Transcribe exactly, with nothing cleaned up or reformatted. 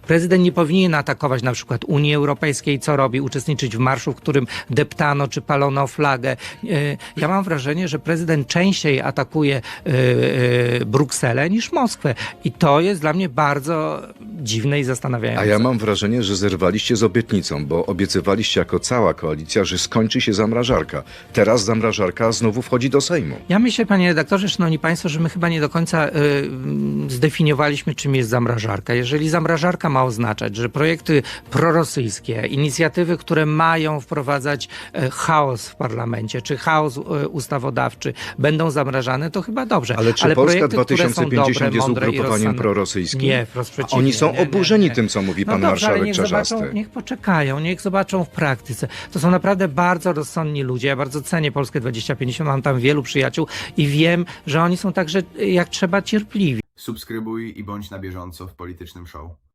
Prezydent nie powinien atakować na przykład Unii Europejskiej, co robi, uczestniczyć w marszu, w którym deptano czy palono flagę. Ja mam wrażenie, że prezydent częściej atakuje Brukselę niż Moskwę. I to jest dla mnie bardzo dziwne i zastanawiające. A ja mam wrażenie, że zerwaliście z obietnicą, bo obiecywaliście jako cała koalicja, że skończy się zamrażarka. Teraz zamrażarka znowu wchodzi do Sejmu. Ja myślę, panie redaktorze, szanowni państwo, że my chyba nie do końca y, zdefiniowaliśmy, czym jest zamrażarka. Jeżeli zamrażarka ma oznaczać, że projekty prorosyjskie, inicjatywy, które mają wprowadzać y, chaos w parlamencie, czy chaos y, ustawodawczy, będą zamrażane, to chyba dobrze. Ale czy Ale Polska projekty, dwa które tysiące są pięćdziesiąt dobre, jest mądre i ugrupowaniem rozsądne. prorosyjskim? Nie, wprost A przeciwnie. oni są Nie, nie, oburzeni nie. tym, co mówi No pan dobrze, ale marszałek niech Czarzasty. zobaczą, niech poczekają, niech zobaczą w praktyce. To są naprawdę bardzo rozsądni ludzie. Ja bardzo cenię Polskę dwadzieścia pięćdziesiąt, mam tam wielu przyjaciół i wiem, że oni są także jak trzeba cierpliwi. Subskrybuj i bądź na bieżąco w Politycznym Show.